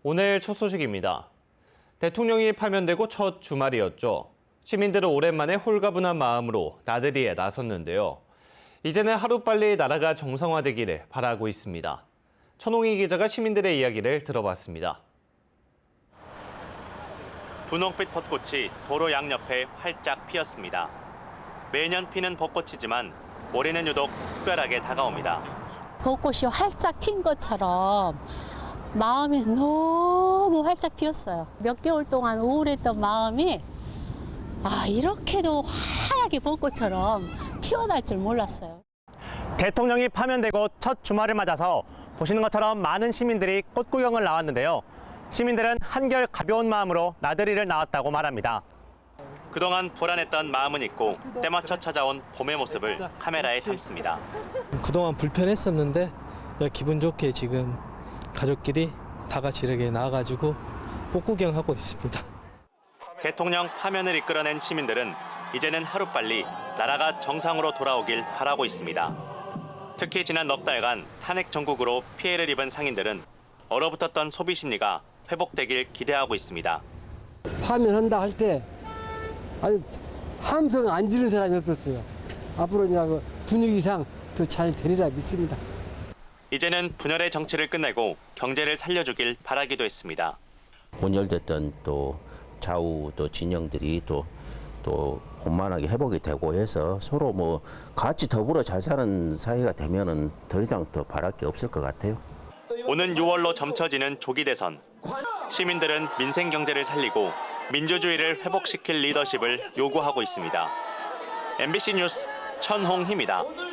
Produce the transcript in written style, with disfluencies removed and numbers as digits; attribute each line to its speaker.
Speaker 1: 오늘 첫 소식입니다. 대통령이 파면되고 첫 주말이었죠. 시민들은 오랜만에 홀가분한 마음으로 나들이에 나섰는데요. 이제는 하루빨리 나라가 정상화되기를 바라고 있습니다. 천홍희 기자가 시민들의 이야기를 들어봤습니다. 분홍빛 벚꽃이 도로 양옆에 활짝 피었습니다. 매년 피는 벚꽃이지만 올해는 유독 특별하게 다가옵니다.
Speaker 2: 벚꽃이 활짝 핀 것처럼 마음이 너무 활짝 피었어요. 몇 개월 동안 우울했던 마음이 이렇게도 환하게 벚꽃처럼 피어날 줄 몰랐어요.
Speaker 3: 대통령이 파면되고 첫 주말을 맞아서 보시는 것처럼 많은 시민들이 꽃 구경을 나왔는데요. 시민들은 한결 가벼운 마음으로 나들이를 나왔다고 말합니다.
Speaker 1: 그동안 불안했던 마음은 잊고 때맞춰 찾아온 봄의 모습을 카메라에 담습니다.
Speaker 4: 그동안 불편했었는데 기분 좋게 지금 가족끼리 다 같이 이렇게 나와가지고 꽃 구경하고 있습니다.
Speaker 1: 대통령 파면을 이끌어낸 시민들은 이제는 하루빨리 나라가 정상으로 돌아오길 바라고 있습니다. 특히 지난 넉 달간 탄핵 정국으로 피해를 입은 상인들은 얼어붙었던 소비 심리가 회복되길 기대하고 있습니다.
Speaker 5: 파면한다 할 때 아주 함성 안 지르는 사람이 없었어요. 앞으로 이제 분위기상 더 잘 되리라 믿습니다.
Speaker 1: 이제는 분열의 정치를 끝내고 경제를 살려주길 바라기도 했습니다.
Speaker 6: 분열됐던 또 좌우 또 진영들이 또 원만하게 회복이 되고 해서 서로 뭐 같이 더불어 잘 사는 사회가 되면은 더 이상 더 바랄 게 없을 것 같아요.
Speaker 1: 오는 6월로 점쳐지는 조기 대선. 시민들은 민생 경제를 살리고 민주주의를 회복시킬 리더십을 요구하고 있습니다. MBC 뉴스 천홍희입니다.